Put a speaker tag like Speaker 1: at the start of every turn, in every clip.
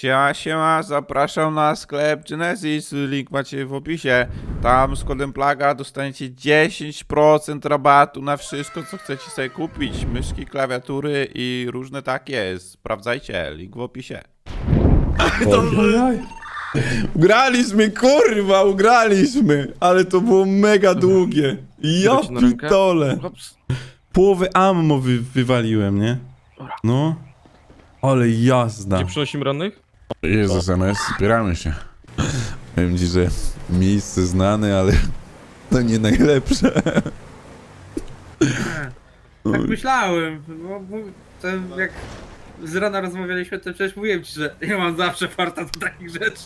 Speaker 1: Siema, siema, zapraszam na sklep Genesis, link macie w opisie. Tam z kodem PLAGA dostaniecie 10% rabatu na wszystko, co chcecie sobie kupić. Myszki, klawiatury i różne takie. Sprawdzajcie, link w opisie.
Speaker 2: Ugraliśmy, kurwa, ugraliśmy! Ale to było mega długie. Ja pitole. Połowę ammo wywaliłem, nie? No. Ale jazda.
Speaker 3: Gdzie przynosimy rannych?
Speaker 2: Jezus, MS, spieramy się. Powiem ci, że miejsce znane, ale to nie najlepsze.
Speaker 4: Tak myślałem, bo ten jak z rana rozmawialiśmy, to przecież mówiłem ci, że ja mam zawsze farta do takich rzeczy.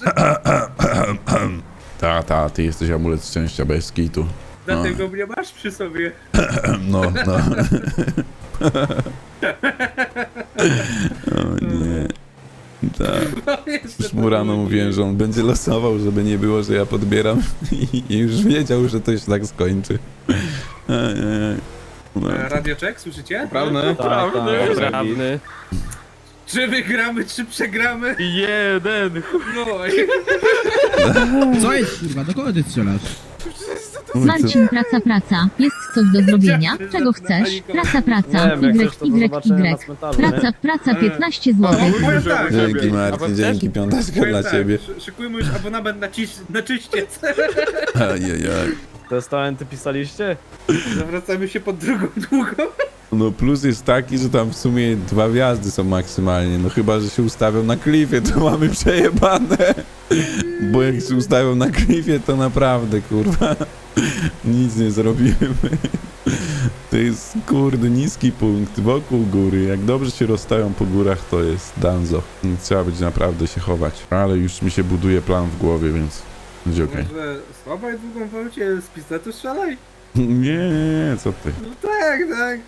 Speaker 2: Ta, ty jesteś amulet szczęścia bez kitu.
Speaker 4: Dlatego mnie masz przy sobie.
Speaker 2: No. O nie. Tak.
Speaker 4: No, jeszcze
Speaker 2: Już mu rano mówiłem, że on będzie losował, żeby nie było, że ja podbieram i już wiedział, że to się tak skończy. No.
Speaker 4: Radioczek, słyszycie?
Speaker 3: Prawny. Prawny.
Speaker 4: Czy wygramy, czy przegramy?
Speaker 3: Jeden.
Speaker 4: No
Speaker 5: Co jest, kurwa? Do kogo ty strzelasz?
Speaker 6: Marcin, praca. Jest coś do zrobienia? Czego chcesz? Praca. Praca, 15 zł.
Speaker 4: powiem tak,
Speaker 2: Dzięki Marcin, dzięki, piąteczka dla
Speaker 4: tak,
Speaker 2: ciebie.
Speaker 4: szykujmy już abonament na czyściec.
Speaker 2: Ajajaj.
Speaker 7: Testamenty pisaliście?
Speaker 4: Zawracamy się pod drugą długą.
Speaker 2: No plus jest taki, że tam w sumie 2 wjazdy są maksymalnie, no chyba, że się ustawią na klifie, to mamy przejebane. Bo jak się ustawią na klifie, to naprawdę, kurwa, nic nie zrobimy. To jest, kurde, niski punkt wokół góry. Jak dobrze się rozstają po górach, to jest danzo. Nie trzeba być naprawdę się chować. Ale już mi się buduje plan w głowie, więc będzie okej.
Speaker 4: Może słabaj długą wolcie, z pistoletu strzelaj?
Speaker 2: Nie, co ty.
Speaker 4: No tak.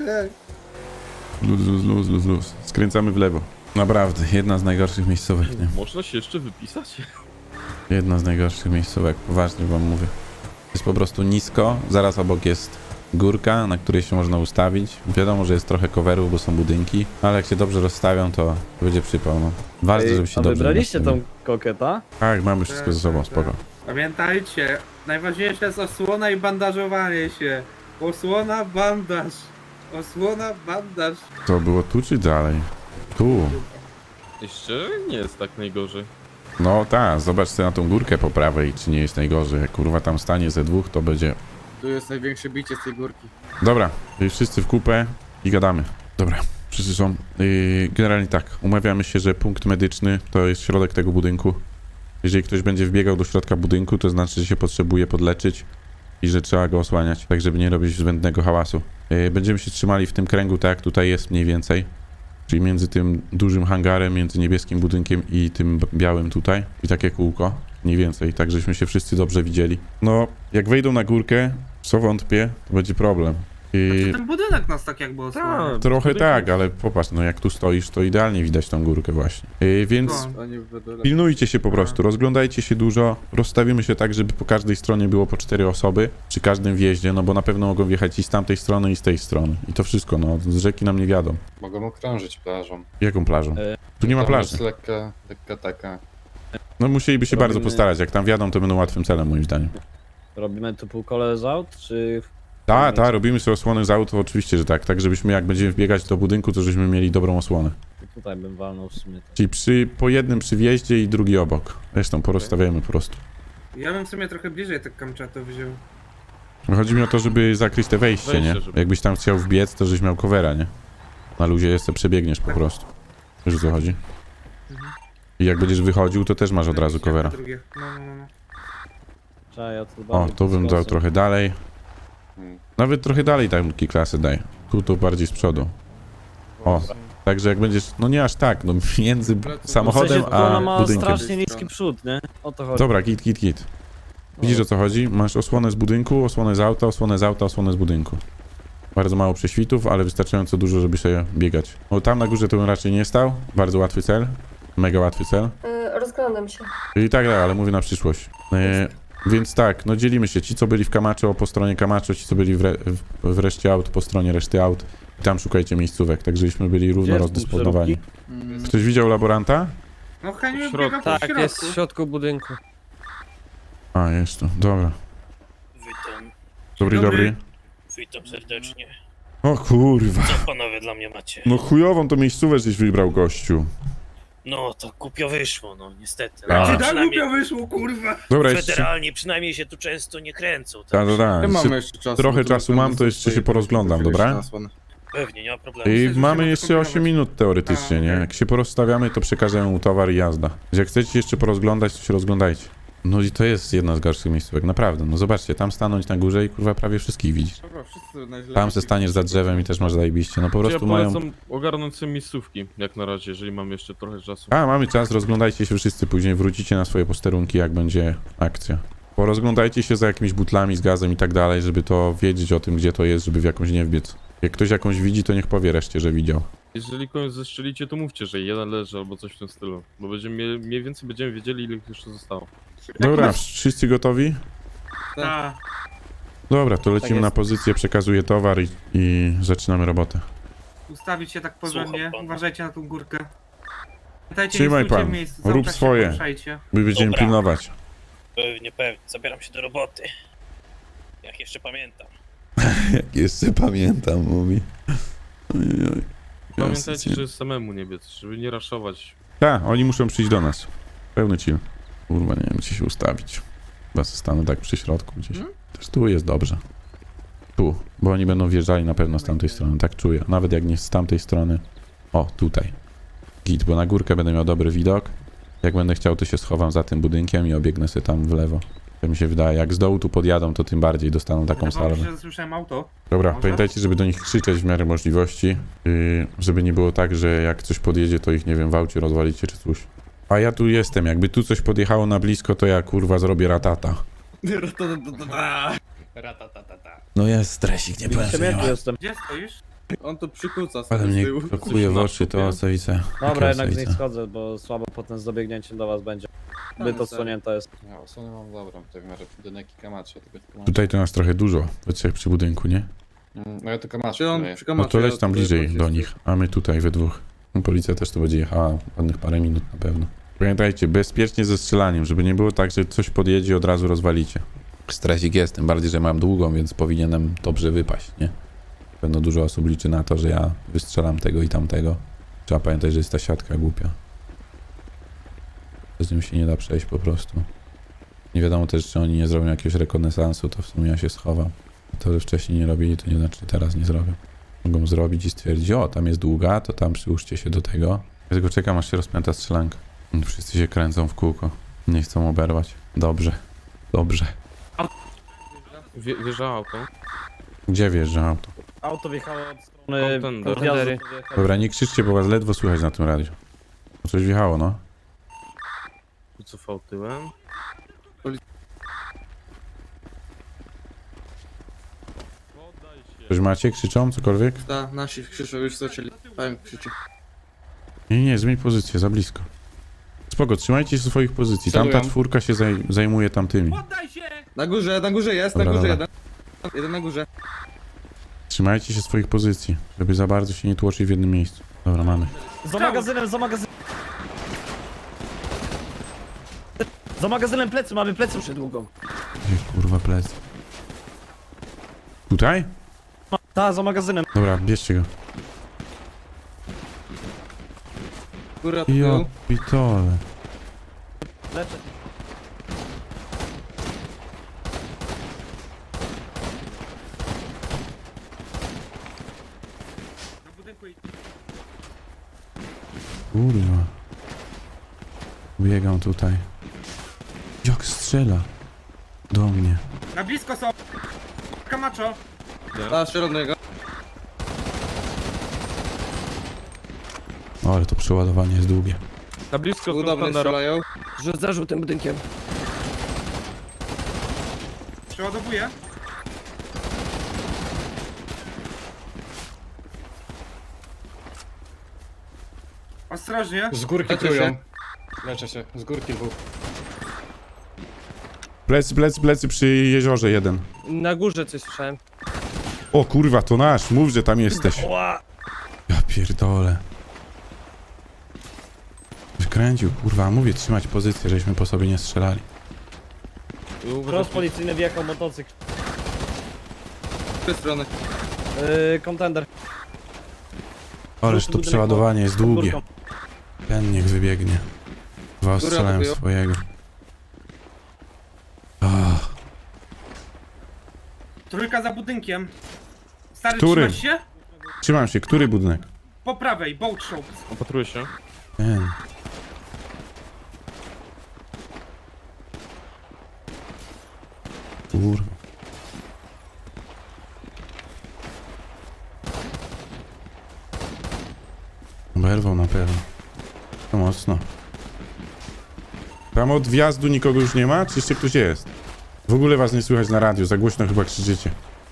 Speaker 2: Luz. Skręcamy w lewo. Naprawdę, jedna z najgorszych miejscówek, nie?
Speaker 3: Można się jeszcze wypisać?
Speaker 2: Jedna z najgorszych miejscówek, poważnie wam mówię. Jest po prostu nisko, zaraz obok jest górka, na której się można ustawić. Wiadomo, że jest trochę coverów, bo są budynki, ale jak się dobrze rozstawią, to będzie przypał, no. Ważne, żeby się
Speaker 7: A
Speaker 2: dobrze
Speaker 7: wybraliście tą
Speaker 2: rozstawił.
Speaker 7: koketa?
Speaker 2: Tak, mamy wszystko ze sobą, spoko.
Speaker 4: Pamiętajcie, najważniejsze jest osłona i bandażowanie się. Osłona, bandaż.
Speaker 2: To było tu czy dalej? Tu.
Speaker 3: Jeszcze nie jest tak najgorzej.
Speaker 2: No tak, zobacz sobie na tą górkę po prawej, czy nie jest najgorzej. Jak kurwa tam stanie ze dwóch, to będzie...
Speaker 8: Tu jest największe bicie z tej górki.
Speaker 2: Dobra, wszyscy w kupę i gadamy. Dobra, wszyscy są. Generalnie tak, umawiamy się, że punkt medyczny to jest środek tego budynku. Jeżeli ktoś będzie wbiegał do środka budynku, to znaczy, że się potrzebuje podleczyć i że trzeba go osłaniać, tak żeby nie robić zbędnego hałasu. Będziemy się trzymali w tym kręgu, tak jak tutaj jest mniej więcej. Czyli między tym dużym hangarem, między niebieskim budynkiem i tym białym tutaj. I takie kółko, mniej więcej, tak żeśmy się wszyscy dobrze widzieli. No, jak wejdą na górkę, co wątpię, to będzie problem.
Speaker 4: Ten budynek nas tak jakby osłania.
Speaker 2: Trochę tak, ale popatrz, no jak tu stoisz, to idealnie widać tą górkę właśnie. Więc
Speaker 8: Oni w dole.
Speaker 2: pilnujcie się po prostu, rozglądajcie się dużo, rozstawimy się tak, żeby po każdej stronie było po 4 osoby, przy każdym wjeździe, no bo na pewno mogą wjechać i z tamtej strony, i z tej strony. I to wszystko, no, z rzeki nam nie wiadą.
Speaker 8: Mogą okrążyć plażą.
Speaker 2: Jaką plażą? Tu nie ma
Speaker 8: Tam
Speaker 2: plaży.
Speaker 8: jest lekka taka.
Speaker 2: No musieliby się bardzo
Speaker 7: Robimy-
Speaker 2: postarać, jak tam wjadą, to będą łatwym celem moim zdaniem.
Speaker 7: Robimy tu półkole z aut, czy...
Speaker 2: Robimy sobie osłonę z auto, oczywiście, że tak, tak żebyśmy jak będziemy wbiegać do budynku, to żebyśmy mieli dobrą osłonę.
Speaker 7: Tutaj bym walnął w sumie.
Speaker 2: Czyli po jednym przy wjeździe i drugi obok. Resztą porozstawiamy po prostu.
Speaker 4: Ja bym w sumie trochę bliżej tak Kamczato wziął.
Speaker 2: Chodzi mi o to, żeby zakryć te wejście, nie?
Speaker 3: Wejście, żeby-
Speaker 2: Jakbyś tam chciał wbiec, to żebyś miał covera, nie? Na luzie jeszcze przebiegniesz po prostu. Wiesz o co chodzi? I jak będziesz wychodził, to też masz od razu covera.
Speaker 4: Drugie. No.
Speaker 7: Trzeba ja tu
Speaker 2: O, tu bym dał trochę dalej.
Speaker 8: Hmm.
Speaker 2: Nawet trochę dalej tamki klasy daj. Tu to bardziej z przodu. O, także jak będziesz, no nie aż tak, no między samochodem
Speaker 7: Ona
Speaker 2: a
Speaker 7: ma
Speaker 2: budynkiem.
Speaker 7: strasznie niski przód, nie? O to chodzi.
Speaker 2: Dobra, git. Widzisz o co chodzi? Masz osłonę z budynku, osłonę z auta, osłonę z budynku. Bardzo mało prześwitów, ale wystarczająco dużo, żeby sobie biegać. No tam na górze to bym raczej nie stał. Bardzo łatwy cel. Mega łatwy cel.
Speaker 9: Rozglądam się.
Speaker 2: I tak, ale mówię na przyszłość. Więc tak, no dzielimy się. Ci, co byli w Camacho po stronie Camacho, ci, co byli w reszcie aut po stronie reszty aut. I tam szukajcie miejscówek, tak żebyśmy byli równo
Speaker 7: Gdzie jest
Speaker 2: rozdysponowani.
Speaker 7: punkt
Speaker 2: Ktoś widział laboranta?
Speaker 4: No Heniu
Speaker 3: W środku.
Speaker 4: biega po
Speaker 9: Tak,
Speaker 4: środku.
Speaker 9: jest w środku budynku.
Speaker 2: A, jest tu, dobra.
Speaker 10: Witam,
Speaker 2: Dobry,
Speaker 4: Dobry.
Speaker 2: dobry.
Speaker 10: witam serdecznie.
Speaker 2: O kurwa.
Speaker 10: Co panowie dla mnie macie?
Speaker 2: No chujową to miejscówę żeś wybrał, gościu.
Speaker 10: No, to głupio wyszło, no niestety.
Speaker 2: A.
Speaker 10: No,
Speaker 4: Czy tak
Speaker 10: przynajmniej
Speaker 4: głupio wyszło, kurwa?
Speaker 2: Dobra, jeszcze...
Speaker 10: federalnie przynajmniej się tu często nie kręcą.
Speaker 2: Tak,
Speaker 10: Tak,
Speaker 2: tak,
Speaker 8: Nie
Speaker 2: tak.
Speaker 8: mamy jeszcze czasu.
Speaker 2: trochę
Speaker 8: bo to
Speaker 2: czasu mam, to jeszcze się porozglądam, dobra?
Speaker 10: Pewnie, nie ma problemu.
Speaker 2: I
Speaker 4: Myślę, że
Speaker 2: mamy
Speaker 4: się
Speaker 2: jeszcze
Speaker 4: skombinować.
Speaker 2: 8 minut teoretycznie,
Speaker 4: A,
Speaker 2: nie?
Speaker 4: okej.
Speaker 2: Jak się porozstawiamy, to przekażemy mu towar i jazda. Jak chcecie jeszcze porozglądać, to się rozglądajcie. No i to jest jedna z gorszych miejscówek, naprawdę. No zobaczcie, tam stanąć na górze i kurwa prawie wszystkich widzisz.
Speaker 8: Dobra, wszyscy najlepiej.
Speaker 2: Tam se staniesz za drzewem i też masz zajebiście. No po
Speaker 3: Ja
Speaker 2: prostu mają...
Speaker 3: polecam ogarnąć sobie miejscówki, jak na razie, jeżeli mam jeszcze trochę czasu.
Speaker 2: A, mamy czas, rozglądajcie się wszyscy, później wrócicie na swoje posterunki, jak będzie akcja. Porozglądajcie się za jakimiś butlami z gazem i tak dalej, żeby to wiedzieć o tym, gdzie to jest, żeby w jakąś nie wbiec. Jak ktoś jakąś widzi, to niech powie reszcie, że widział.
Speaker 3: Jeżeli kogoś zestrzelicie, to mówcie, że jeden leży albo coś w tym stylu. Bo będziemy, mniej więcej będziemy wiedzieli, ile ich jeszcze zostało.
Speaker 2: Dobra, wszyscy gotowi?
Speaker 4: Tak.
Speaker 2: Dobra, to lecimy
Speaker 7: jest.
Speaker 2: na pozycję, przekazuję towar i zaczynamy robotę.
Speaker 4: Ustawić się tak porządnie.
Speaker 10: Słucham pana.
Speaker 4: Uważajcie na tą górkę. Pamiętajcie,
Speaker 2: Trzymaj
Speaker 4: nie stójcie
Speaker 2: pan.
Speaker 4: w miejscu.
Speaker 2: Rób
Speaker 4: Cały czas się
Speaker 2: swoje.
Speaker 4: poruszajcie.
Speaker 2: My będziemy
Speaker 10: Dobra.
Speaker 2: pilnować.
Speaker 10: Pewnie, pewnie. Zabieram się do roboty. Jak jeszcze pamiętam.
Speaker 2: Jak jeszcze pamiętam, mówi.
Speaker 3: Pamiętajcie, że samemu nie biec, żeby nie raszować.
Speaker 2: Tak, oni muszą przyjść do nas. Pełny chill. Kurwa, nie wiem, gdzie się ustawić. Chyba stanę tak przy środku gdzieś. Też tu jest dobrze. Tu, bo oni będą wjeżdżali na pewno z tamtej strony, tak czuję. Nawet jak nie z tamtej strony. O, tutaj. Git, bo na górkę będę miał dobry widok. Jak będę chciał, to się schowam za tym budynkiem i obiegnę sobie tam w lewo. To mi się wydaje, jak z dołu tu podjadą, to tym bardziej dostaną taką
Speaker 4: Wydawało mi
Speaker 2: salwę.
Speaker 4: się, że słyszałem auto.
Speaker 2: Dobra,
Speaker 4: Może?
Speaker 2: pamiętajcie, żeby do nich krzyczeć w miarę możliwości, żeby nie było tak, że jak coś podjedzie, to ich, nie wiem, w aucie rozwalicie czy coś. A ja tu jestem, jakby tu coś podjechało na blisko, to ja kurwa zrobię ratata. No jest stresik, nie powiem, że nie
Speaker 7: Przemiętny
Speaker 2: ma.
Speaker 7: jestem.
Speaker 4: Gdzie stoisz?
Speaker 8: On to przykuca
Speaker 2: Ale
Speaker 8: z
Speaker 2: mnie
Speaker 8: tyłu.
Speaker 2: blokuje w oczy, to ocewice.
Speaker 7: Dobra, jednak z niej schodzę, bo słabo potem z dobiegnięciem do was będzie. Zbyt odsłonięte jest.
Speaker 8: Ja osłonę mam dobrą, tutaj w miarę budynek i kamatrze, tylko kamatrze.
Speaker 2: Tutaj to nas trochę dużo, we trzech przy budynku, nie?
Speaker 8: No ja to kamatrze
Speaker 9: on
Speaker 8: daję.
Speaker 9: przy
Speaker 2: No to leć tam bliżej do nich, a my tutaj we dwóch. Policja też tu będzie jechała ładnych parę minut na pewno. Pamiętajcie, bezpiecznie ze strzelaniem, żeby nie było tak, że coś podjedzie i od razu rozwalicie. Stresik jest, tym bardziej, że mam długą, więc powinienem dobrze wypaść, nie? Pewno dużo osób liczy na to, że ja wystrzelam tego i tamtego. Trzeba pamiętać, że jest ta siatka głupia. Z nim się nie da przejść po prostu. Nie wiadomo też, czy oni nie zrobią jakiegoś rekonesansu, to w sumie ja się schowam. To, że wcześniej nie robili, to nie znaczy, że teraz nie zrobią. Mogą zrobić i stwierdzić, o, tam jest długa, to tam przyłóżcie się do tego. Ja tylko czekam, aż się rozpęta strzelanka. Wszyscy się kręcą w kółko. Nie chcą oberwać. Dobrze. Dobrze.
Speaker 3: Wjeżdża auto.
Speaker 2: Gdzie wjeżdża auto?
Speaker 7: Auto wjechało od strony
Speaker 3: Kontender.
Speaker 7: podjazdu.
Speaker 2: Dobra, nie krzyczcie, bo was ledwo słychać na tym radiu. Bo coś wjechało, no.
Speaker 3: Wycofał tyłem. Poddaj się.
Speaker 2: Coś macie? Krzyczą? Cokolwiek?
Speaker 9: Da, nasi krzyczą, już zaczęli. Powiem, krzyczy.
Speaker 2: Nie, nie, zmień pozycję, za blisko. Spoko, trzymajcie się swoich pozycji. Tamta
Speaker 8: Celują.
Speaker 2: czwórka się zajmuje tamtymi.
Speaker 4: Poddaj się!
Speaker 9: Na górze jest,
Speaker 2: Dobra,
Speaker 9: na górze
Speaker 2: dobra.
Speaker 9: jeden. Jeden na górze.
Speaker 2: Trzymajcie się swoich pozycji, żeby za bardzo się nie tłoczyć w jednym miejscu. Dobra, mamy.
Speaker 7: Za magazynem, za magazynem. Za magazynem plecy, mamy plecy przed długą.
Speaker 2: Gdzie kurwa plec? Tutaj?
Speaker 7: Ta, za magazynem.
Speaker 2: Dobra, bierzcie go.
Speaker 9: Góra
Speaker 2: Ja
Speaker 9: tył.
Speaker 2: pitole.
Speaker 7: Leczę.
Speaker 4: Do budynku i...
Speaker 2: Kurwa. Biegam tutaj. Jak strzela? Do mnie.
Speaker 4: Na blisko są! Kamacho!
Speaker 9: Da, środnego.
Speaker 2: O, ale to przeładowanie jest długie.
Speaker 3: Na blisko
Speaker 9: Udobnie
Speaker 3: Contendera.
Speaker 9: strzelają. Za żółtym budynkiem.
Speaker 4: Przeładowuję. Ostrożnie.
Speaker 8: Z górki
Speaker 9: Leczę
Speaker 8: trują.
Speaker 9: się.
Speaker 8: Leczę się, z górki dwóch.
Speaker 2: Plecy przy jeziorze jeden.
Speaker 9: Na górze coś słyszałem.
Speaker 2: O kurwa, to nasz, mów, że tam jesteś. Ja pierdolę. Skręcił, kurwa, mówię, trzymać pozycję, żeśmy po sobie nie strzelali.
Speaker 7: Cross policyjny wjechał motocykl.
Speaker 9: Z tej strony.
Speaker 7: Kontender.
Speaker 2: Ależ to przeładowanie jest długie.
Speaker 7: Górką.
Speaker 2: Ten niech wybiegnie. Dwa ostrzelałem
Speaker 9: atakują.
Speaker 2: swojego. Ach,
Speaker 4: Trójka za budynkiem. Stary,
Speaker 2: Który?
Speaker 4: trzymasz się?
Speaker 2: trzymam się, który budynek?
Speaker 4: Po prawej, boat shop.
Speaker 3: Opatruję się.
Speaker 2: Ten. Kurwa. Oberwał na pewno. To mocno. Tam od wjazdu nikogo już nie ma? Czy jeszcze ktoś jest? W ogóle was nie słychać na radiu, za głośno chyba krzyczycie.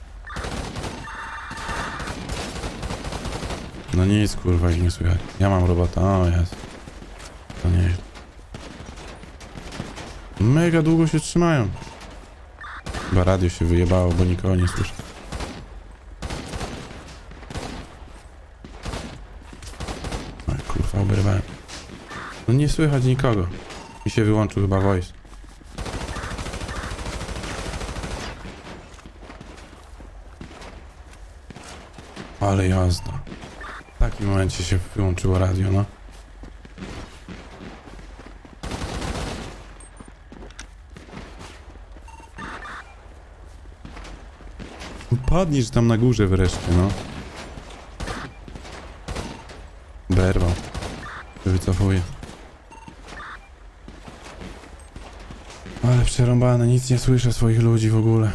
Speaker 2: No nic, kurwa, ich nie słychać. Ja mam robota, o jest. To nie jest. Mega długo się trzymają. Chyba radio się wyjebało, bo nikogo nie słyszę. Oj, kurwa, oberwałem. No nie słychać nikogo. I się wyłączył chyba voice. Ale jazda. W takim momencie się wyłączyło radio, no. Padniesz tam na górze wreszcie, no. Berwał. Wycofuję. Ale przerąbane, nic nie słyszę swoich ludzi w ogóle.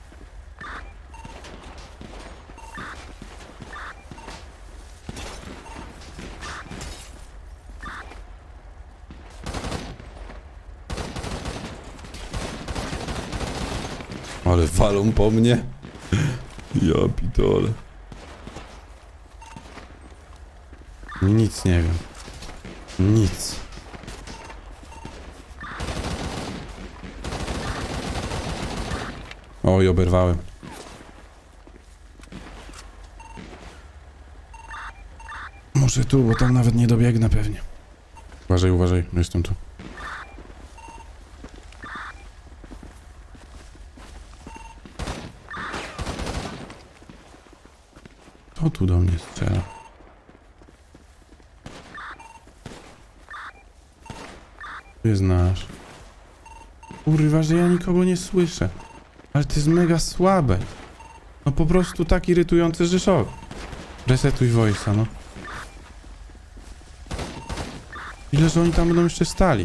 Speaker 2: Ale walą po mnie. Ja pitole. Nic nie wiem. Nic. Oj, oberwałem. Muszę tu, bo tam nawet nie dobiegnę pewnie. Uważaj, uważaj, jestem tu. Kto tu do mnie strzela? Tu jest nasz. Kurwa, że ja nikogo nie słyszę. Ale to jest mega słabe. No po prostu tak irytujące, że szok. Resetuj voice'a, no. Ile, że oni tam będą jeszcze stali?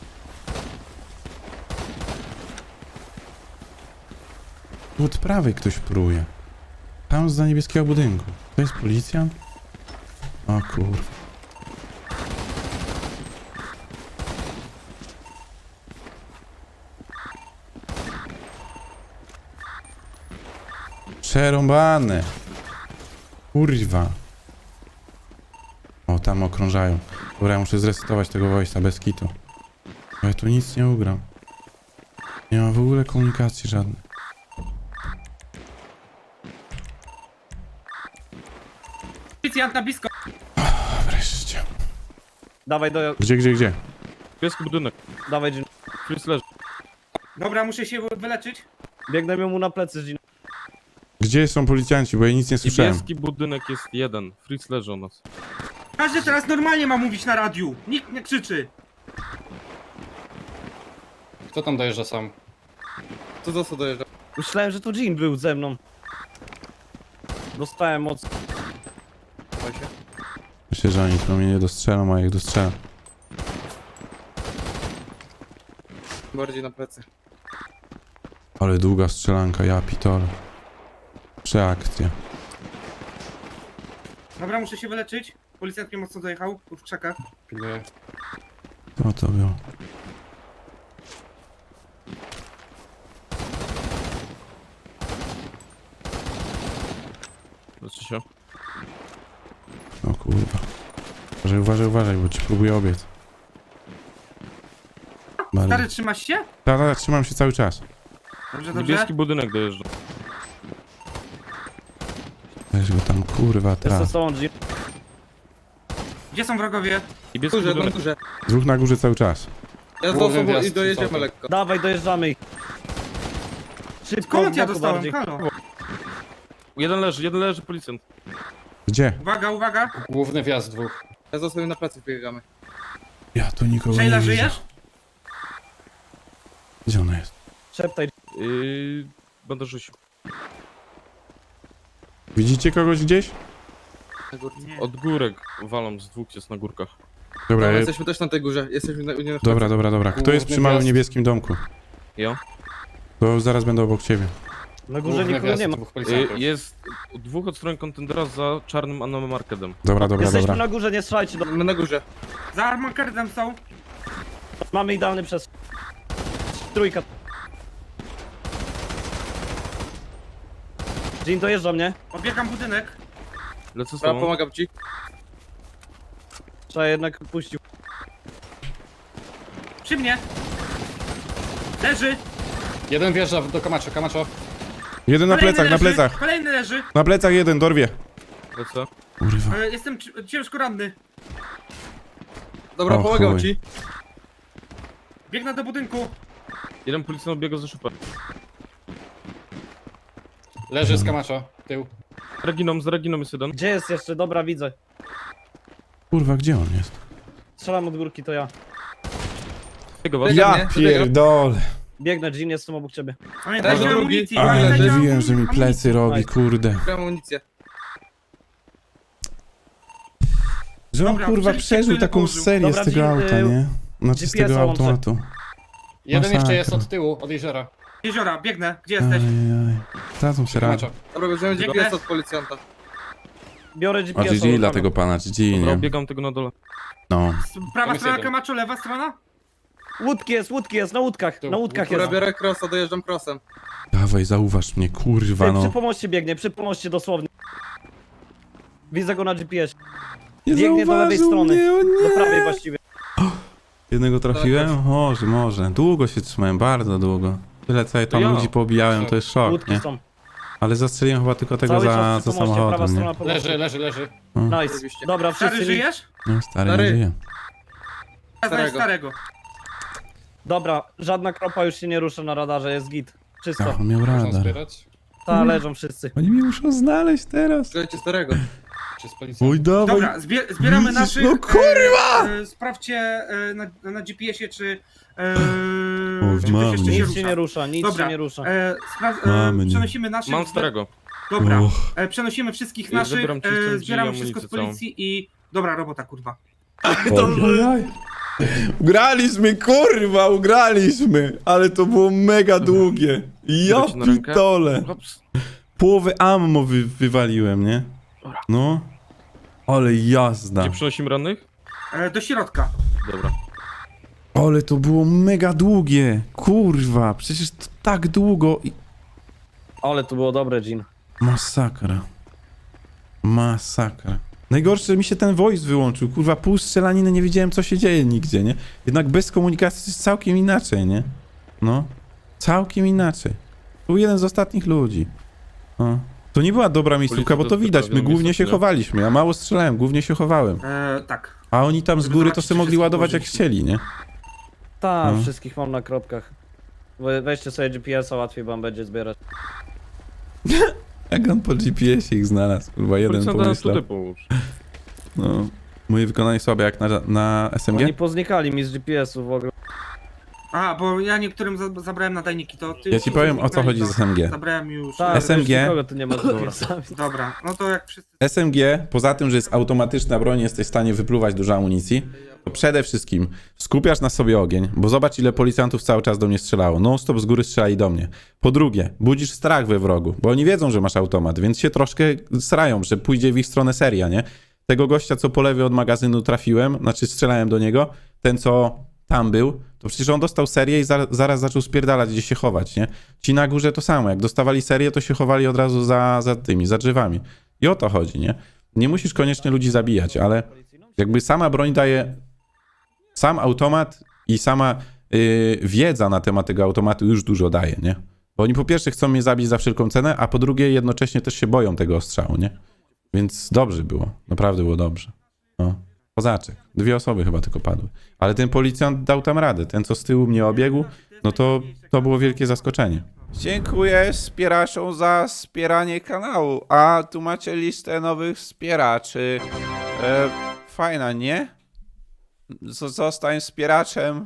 Speaker 2: Tu od prawej ktoś pruje. Tam za niebieskiego budynku. To jest policjant? O kurwa. Przerąbane. Kurwa. O, tam okrążają. Dobra, ja muszę zresetować tego voice'a bez kitu. Bo ja tu nic nie ugram. Nie ma w ogóle komunikacji żadnej.
Speaker 4: Policjant na blisko.
Speaker 2: Wreszcie.
Speaker 7: Dawaj do...
Speaker 2: Gdzie?
Speaker 3: Pieski budynek.
Speaker 7: Dawaj, Gin.
Speaker 3: Chris leży.
Speaker 4: Dobra, muszę się wyleczyć.
Speaker 7: Biegnę mu na plecy, Gin.
Speaker 2: Gdzie są policjanci, bo ja nic nie słyszałem.
Speaker 3: Niebieski budynek jest jeden. Fritz leży u nas.
Speaker 4: Każdy teraz normalnie ma mówić na radiu. Nikt nie krzyczy.
Speaker 8: Kto tam dojeżdża sam?
Speaker 9: Co za co dojeżdża?
Speaker 7: Myślałem, że to Gin był ze mną. Dostałem moc.
Speaker 2: Myślę, że oni tu mnie nie dostrzelą, a jak dostrzelam.
Speaker 9: Bardziej na plecy.
Speaker 2: Ale długa strzelanka, ja pitole. Przeakcja.
Speaker 4: Dobra, muszę się wyleczyć. Policjant mnie mocno dojechał. Tu w krzakach.
Speaker 8: Pilnuję.
Speaker 2: Co to było?
Speaker 3: Leczy się.
Speaker 2: O kurwa. Uważaj, bo ci próbuję obiec.
Speaker 4: Stary, trzymasz się?
Speaker 2: Tak, trzymam się cały czas.
Speaker 4: Dobrze, dobrze.
Speaker 3: Niebieski budynek dojeżdża.
Speaker 2: Weź go tam, kurwa,
Speaker 7: Jestem
Speaker 2: traf.
Speaker 7: z tobą, Gin.
Speaker 4: Gdzie są wrogowie?
Speaker 3: Niebieski
Speaker 9: Górze, na
Speaker 3: budynek.
Speaker 9: górze.
Speaker 2: Dwóch na górze cały czas.
Speaker 9: Ja z
Speaker 8: Główny
Speaker 9: osobą
Speaker 8: wjazd
Speaker 9: i dojedziemy
Speaker 8: całkiem.
Speaker 9: lekko.
Speaker 7: Dawaj, dojeżdżamy ich. Szybko,
Speaker 4: Skąd ja
Speaker 7: w boku
Speaker 4: dostałem?
Speaker 7: bardziej.
Speaker 4: Halo.
Speaker 3: Jeden leży policjant.
Speaker 2: Gdzie?
Speaker 4: Uwaga, uwaga.
Speaker 8: Główny wjazd dwóch.
Speaker 9: Ja z osobą na plecy biegamy.
Speaker 2: Ja tu nikogo
Speaker 4: Sheila,
Speaker 2: nie widzę.
Speaker 4: żyjesz?
Speaker 2: Gdzie ona jest?
Speaker 7: Szeptaj.
Speaker 3: Będę rzucił.
Speaker 2: Widzicie kogoś gdzieś?
Speaker 9: Na górce.
Speaker 3: Od górek walą, z dwóch jest na górkach.
Speaker 2: Dobra,
Speaker 9: Dobra,
Speaker 2: ja...
Speaker 9: jesteśmy też na tej górze. Jesteśmy na nie na
Speaker 2: dobra. Kto jest przy małym
Speaker 8: wjazd.
Speaker 2: niebieskim domku?
Speaker 3: Ja?
Speaker 2: To zaraz będę obok ciebie.
Speaker 7: Na górze
Speaker 8: Główny
Speaker 7: nikogo
Speaker 8: wjazd
Speaker 7: nie ma.
Speaker 8: dwóch policjantów.
Speaker 3: Jest dwóch od strony kontenera za czarnym anomarkedem.
Speaker 2: Dobra.
Speaker 7: Jesteśmy na górze, nie strzelajcie.
Speaker 9: My na górze.
Speaker 4: Za armakerdem są.
Speaker 7: Mamy idealny przez. Trójka. Jean dojeżdża mnie.
Speaker 4: Obiegam budynek.
Speaker 3: Lecę z
Speaker 9: Dobra,
Speaker 3: tobą.
Speaker 9: pomagam ci.
Speaker 7: Trzeba jednak puścił.
Speaker 4: Przy mnie. Leży.
Speaker 8: Jeden wjeżdża do Camacho, Camacho.
Speaker 2: Jeden na
Speaker 4: Kolejny
Speaker 2: plecach, na
Speaker 4: leży.
Speaker 2: plecach.
Speaker 4: Kolejny leży.
Speaker 2: Na plecach jeden, dorwie.
Speaker 3: Lecę.
Speaker 2: Kurwa.
Speaker 4: Jestem ciężko ranny.
Speaker 9: Dobra,
Speaker 2: O
Speaker 9: pomagam
Speaker 2: chuj.
Speaker 9: ci.
Speaker 4: Biegnę do budynku.
Speaker 3: Jeden policjant biega za szybę.
Speaker 8: Leży z Camacho. Tył.
Speaker 3: Z Reginą jest jeden.
Speaker 7: Gdzie jest jeszcze? Dobra, widzę.
Speaker 2: Kurwa, gdzie on jest?
Speaker 7: Strzelam od górki, to ja.
Speaker 3: Biega was.
Speaker 9: Ja mnie,
Speaker 2: pierdolę.
Speaker 7: Biegnę, Jean, jestem obok ciebie.
Speaker 4: Pamiętaj,
Speaker 9: Leży
Speaker 4: że
Speaker 9: drugi.
Speaker 4: amunicji.
Speaker 2: Ale
Speaker 4: pamiętaj, że
Speaker 2: mówiłem, że mi
Speaker 4: amunicji.
Speaker 2: plecy robi, kurde.
Speaker 9: Mam amunicję.
Speaker 2: Że on
Speaker 4: Dobra,
Speaker 2: kurwa
Speaker 4: przecież
Speaker 2: przeżył
Speaker 4: tyle
Speaker 2: taką
Speaker 4: położył.
Speaker 2: serię
Speaker 7: Dobra,
Speaker 2: z tego
Speaker 7: Jean,
Speaker 2: auta, nie? Znaczy z tego
Speaker 7: GPS-a łączę.
Speaker 2: automatu.
Speaker 8: Jeden jeszcze jest
Speaker 2: Masakra.
Speaker 8: od tyłu, od jeziora.
Speaker 4: Jeziora, biegnę. Gdzie jesteś?
Speaker 2: Ajajaj. Tracą się radę.
Speaker 8: Camacho.
Speaker 9: Dobra, bierzemy
Speaker 4: Biegnę.
Speaker 9: GPS od policjanta.
Speaker 7: Biorę
Speaker 2: A
Speaker 7: GPS-a.
Speaker 2: GG dla tego pana, GG,
Speaker 3: Dobra,
Speaker 2: nie?
Speaker 3: biegam tego na dole.
Speaker 2: No.
Speaker 4: Prawa
Speaker 8: jest
Speaker 4: strona
Speaker 8: jeden.
Speaker 4: Camacho, lewa strona?
Speaker 7: Łódki jest, na łódkach.
Speaker 8: Tu.
Speaker 7: Na łódkach
Speaker 9: Dobra,
Speaker 7: jest.
Speaker 9: biorę crossa, dojeżdżam crossem.
Speaker 2: Dawaj, zauważ mnie, kurwa,
Speaker 7: Przy
Speaker 2: no.
Speaker 7: pomoście biegnie, przy pomoście dosłownie. Widzę go na GPS.
Speaker 2: Nie
Speaker 7: biegnie do lewej
Speaker 2: zauważył
Speaker 7: strony.
Speaker 2: mnie, o nie.
Speaker 7: Do prawej właściwie.
Speaker 2: Jednego trafiłem? Może. Długo się trzymałem, bardzo długo. Tyle co ja tam
Speaker 3: Ja.
Speaker 2: ludzi pobijałem, to jest szok,
Speaker 7: Łódki
Speaker 2: nie?
Speaker 7: są.
Speaker 2: Ale zastrzeliłem chyba tylko tego
Speaker 7: Cały
Speaker 2: za
Speaker 7: czas przy pomoście, prawa
Speaker 2: samochodem, nie?
Speaker 7: strona pomocy.
Speaker 8: Leży.
Speaker 7: Nice.
Speaker 9: Oczywiście.
Speaker 7: Dobra,
Speaker 4: Stary,
Speaker 7: wszyscy.
Speaker 4: żyjesz?
Speaker 2: No, stary nie
Speaker 9: Stary.
Speaker 2: żyje.
Speaker 4: Ja znaję starego.
Speaker 7: Dobra, żadna kropa już się nie rusza na radarze, jest git. Czysto.
Speaker 2: Ach, on miał
Speaker 8: Można
Speaker 2: radar.
Speaker 8: zbierać.
Speaker 7: Ta, leżą wszyscy.
Speaker 2: Oni mnie muszą znaleźć teraz.
Speaker 9: Słuchajcie starego.
Speaker 8: Czy z policjantów?
Speaker 2: Oj, dawaj.
Speaker 4: Dobra, zbieramy
Speaker 2: Widzisz?
Speaker 4: naszych.
Speaker 2: No kurwa!
Speaker 4: Sprawdźcie na GPS-ie, czy.
Speaker 2: O,
Speaker 4: czy ktoś
Speaker 2: mamy.
Speaker 4: jeszcze się
Speaker 7: Nic
Speaker 4: rusza.
Speaker 7: się nie rusza, nic
Speaker 4: Dobra,
Speaker 7: się nie rusza.
Speaker 2: Mamy, nie.
Speaker 4: Przenosimy naszych.
Speaker 3: Mam starego.
Speaker 4: Dobra,
Speaker 2: Och.
Speaker 4: przenosimy wszystkich
Speaker 3: Ja
Speaker 4: naszych.
Speaker 3: zabieram ci stąd
Speaker 4: Zbieramy
Speaker 3: drzwi,
Speaker 4: wszystko z
Speaker 3: amunicję
Speaker 4: policji i. Dobra robota, kurwa.
Speaker 2: Ojojoj. Ugraliśmy, kurwa, ugraliśmy! Ale to było mega długie. Ja
Speaker 3: Biorę cię na rękę.
Speaker 2: pitole.
Speaker 3: Hops.
Speaker 2: Połowę ammo wywaliłem, nie? No. Ale jazda.
Speaker 3: Gdzie przynosimy rannych?
Speaker 4: Do środka.
Speaker 3: Dobra.
Speaker 2: Ale to było mega długie. Kurwa, przecież to tak długo i...
Speaker 7: Ale to było dobre, Jean.
Speaker 2: Masakra. Masakra. Najgorsze, że mi się ten voice wyłączył. Kurwa, pół strzelaniny, nie wiedziałem, co się dzieje nigdzie, nie? Jednak bez komunikacji to jest całkiem inaczej, nie? No. Całkiem inaczej. Był jeden z ostatnich ludzi. No. To nie była dobra miejscówka, bo to widać. My głównie się chowaliśmy. Ja mało strzelałem, głównie się chowałem.
Speaker 4: Tak.
Speaker 2: A oni tam z
Speaker 4: Żeby
Speaker 2: góry to
Speaker 4: zobaczyć,
Speaker 2: sobie
Speaker 4: czy
Speaker 2: mogli
Speaker 4: wszystko
Speaker 2: ładować jak
Speaker 4: włożyliśmy.
Speaker 2: chcieli, nie?
Speaker 7: Ta,
Speaker 2: No.
Speaker 7: wszystkich mam na kropkach. Weźcie sobie GPS-a, łatwiej wam będzie zbierać.
Speaker 2: Jak on po GPS-ie ich znalazł? Kurwa, jeden
Speaker 3: Policjanta
Speaker 2: pomyślał.
Speaker 3: tutaj połóż.
Speaker 2: No. Moje wykonanie słabe jak na SMG?
Speaker 7: Oni poznikali mi z GPS-u w ogóle.
Speaker 4: A, bo ja niektórym zabrałem nadajniki, to ty.
Speaker 2: Ja ci powiem, o co chodzi z SMG.
Speaker 4: Zabrałem już.
Speaker 7: Tak,
Speaker 2: SMG.
Speaker 7: wiesz, nikogo tu nie ma z GPS-ami.
Speaker 4: Dobra, no to jak wszyscy.
Speaker 2: SMG, poza tym, że jest automatyczna broń, jesteś w stanie wypluwać dużo amunicji, to przede wszystkim skupiasz na sobie ogień, bo zobacz, ile policjantów cały czas do mnie strzelało. Non-stop z góry strzelali do mnie. Po drugie, budzisz strach we wrogu, bo oni wiedzą, że masz automat, więc się troszkę srają, że pójdzie w ich stronę seria, nie? Tego gościa, co po lewej od magazynu trafiłem, znaczy strzelałem do niego, ten, co tam był, to przecież on dostał serię i zaraz zaczął spierdalać, gdzie się chować, nie? Ci na górze to samo, jak dostawali serię, to się chowali od razu za drzewami. I o to chodzi, nie? Nie musisz koniecznie ludzi zabijać, ale jakby sama broń daje, sam automat i sama wiedza na temat tego automatu już dużo daje, nie? Bo oni po pierwsze chcą mnie zabić za wszelką cenę, a po drugie jednocześnie też się boją tego ostrzału, nie? Więc dobrze było, naprawdę było dobrze. No. Kozaczek. 2 osoby chyba tylko padły. Ale ten policjant dał tam radę. Ten, co z tyłu mnie obiegł, no to było wielkie zaskoczenie.
Speaker 1: Dziękuję wspieraczom za wspieranie kanału. A tu macie listę nowych wspieraczy. Fajna, nie? Zostań wspieraczem